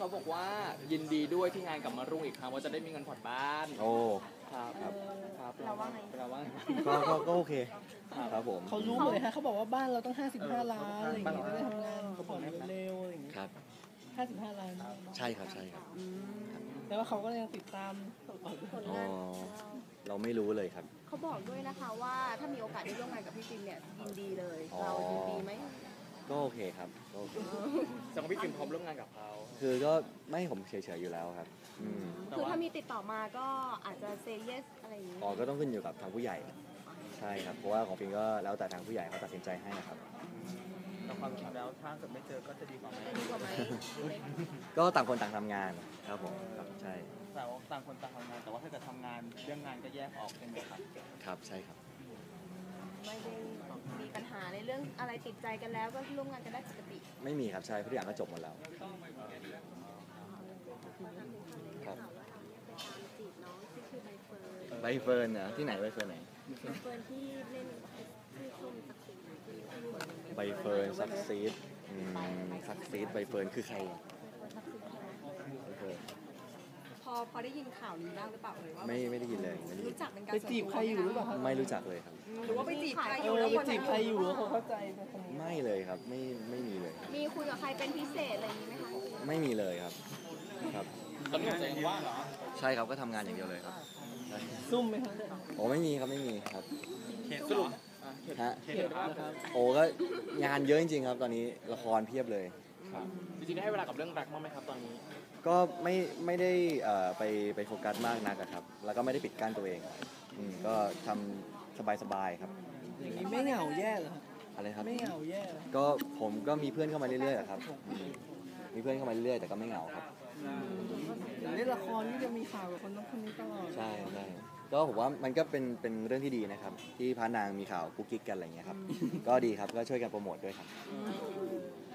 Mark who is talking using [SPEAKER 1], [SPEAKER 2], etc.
[SPEAKER 1] เขาบอกว่ายินดีด้วยที่งานกลับมารุ่งอีกครั้งว่าจะได้มีเงินผ่อนบ้าน
[SPEAKER 2] โอ้
[SPEAKER 1] ครับครับ
[SPEAKER 3] เราว่าไง
[SPEAKER 1] เราว่าไง
[SPEAKER 2] ก็โอเคครับผม
[SPEAKER 4] เขารู้หมดเลยฮะเขาบอกว่าบ้านเราต้อง55 ล้านอะไรอย่างเงี้ยจะได้ทำงานผ่อนเร็วๆอะไรอย่างเงี้ย
[SPEAKER 2] ครับ
[SPEAKER 4] 55 ล้าน
[SPEAKER 2] ใช่ครับใช่ครับ
[SPEAKER 4] แต่ว่าเขาก็ยังติดตาม
[SPEAKER 3] ผล
[SPEAKER 2] อ๋อง
[SPEAKER 3] าน
[SPEAKER 2] เราไม่รู้เลยครับ
[SPEAKER 3] เขาบอกด้วยนะคะว่าถ้ามีโอกาสได้ร่วมงานกับพี่จินเนี่ยยินดีเลย
[SPEAKER 2] อ๋อ
[SPEAKER 3] เรายินดีไหม
[SPEAKER 2] ก็โอเคครับก็โอเค
[SPEAKER 1] แสดงว่าพี่จินพร้อมร่วมงานกับเขา
[SPEAKER 2] คือก็ไม่ผมเฉยๆอยู่แล้วครับอืม
[SPEAKER 3] คือถ้ามีติดต่อมาก็อาจจะเซเยสอะไรอย่างนี้
[SPEAKER 2] อ๋อก็ต้องขึ้นอยู่กับทางผู้ใหญ่ ใช่ครับเพราะว่าของฟิงก็แล้วแต่ทางผู้ใหญ่เขาตัดสินใจให้ครับ
[SPEAKER 1] แต่ความจริงแล้วถ้าเกิดไม่เจอก็จะดีกว่าไหม
[SPEAKER 3] จะดีกว่าไหม
[SPEAKER 2] ก็ต่างคนต่างทำงานครับผมครับใช่
[SPEAKER 1] แต่ว่าต่างคนต่างทำงานแต่ว่าถ้าเกิดทำงานเรื่องงานก็แยกออกใช่ไหมครับ
[SPEAKER 2] ครับใช่ครับ
[SPEAKER 3] ไม่ได้มีปัญหาในเรื่องอะไรติดใจกันแล้วก็ร่วมงานกันได้ปกติ
[SPEAKER 2] ไม่มีครับใช่ทุกอย่างก็จบหมดแล้วครับใบเฟิร์นนะที่ไหนใบเฟิร์นไหน
[SPEAKER 3] เฟิร์นที่เล่นที่ชมสักสิ่ง
[SPEAKER 2] ใบเฟิร์นซักซีดซักซีดใบเฟิร์นคือใครอะใบเฟิร์น
[SPEAKER 3] พอได้ยินข่าวนี้บ้างหรือเปล่าเอ่ยว่า
[SPEAKER 2] ไม่ได้ยินเลยไม่ได้ยิ
[SPEAKER 3] รู้
[SPEAKER 2] น
[SPEAKER 3] จักเป็นการ
[SPEAKER 4] ไปจีบใครอยู่หรือเปล่าครับ
[SPEAKER 2] ไม่รู้จักเลยครับ
[SPEAKER 3] หรือว่าไปจีบใครอ
[SPEAKER 4] เอยู่ อ
[SPEAKER 3] แล้ว
[SPEAKER 4] ไป
[SPEAKER 3] คน
[SPEAKER 4] จีบใครอยู่แล้วเขาเข้าใจในคนนี้
[SPEAKER 2] ไม่เลยครับไม่มีเลย
[SPEAKER 3] มีคุยกับใครเป็นพิเศษอะไรอย่างนี้ไหมคะ
[SPEAKER 2] ไม่มีเลยครับครับ
[SPEAKER 1] ตอนนี้หัวใจยังว่างเหรอ
[SPEAKER 2] ใช่ครับก็ทำงานอย่างเดียวเลยครับใช่
[SPEAKER 4] ซุ่มไหมครับ
[SPEAKER 2] โอ้ไม่มีครับไม่มีครับ
[SPEAKER 1] เขตสรุป
[SPEAKER 2] ฮะ
[SPEAKER 4] เขียนนะครับ
[SPEAKER 2] โอ้ก็งานเยอะจริงๆครับตอนนี้ละครเพียบเลย
[SPEAKER 1] ครับจริงๆได้ให้เวลากับเรื่องรักบ้างไหมครับตอนนี้
[SPEAKER 2] ก็ไม่ได้ไปโฟกัสมากนักอะครับ แล้วก็ไม่ได้ปิดกั้นตัวเองก็ทำสบายๆครับ
[SPEAKER 4] อย่างนี้ไม่เหงาแย่เหรอครับ
[SPEAKER 2] อะไรครับ
[SPEAKER 4] ไม่เหงาแย่เหรอ
[SPEAKER 2] ก็ผมก็มีเพื่อนเข้ามาเรื่อยๆอะครับมีเพื่อนเข้ามาเรื่อยๆแต่ก็ไม่เหงาครับ
[SPEAKER 4] อย่างเล่นละครนี่จะมีข่าวกับคนนั้นคนนี้ตลอด
[SPEAKER 2] ใช่ใช่ก็ผมว่ามันก็เป็นเรื่องที่ดีนะครับ ที่พระนางมีข่าวกุ๊กกิ๊กกันอะไรอย่างเงี้ยครับ ก็ดีครับก็ช่วยกันโปรโมทด้วยครับ
[SPEAKER 3] เ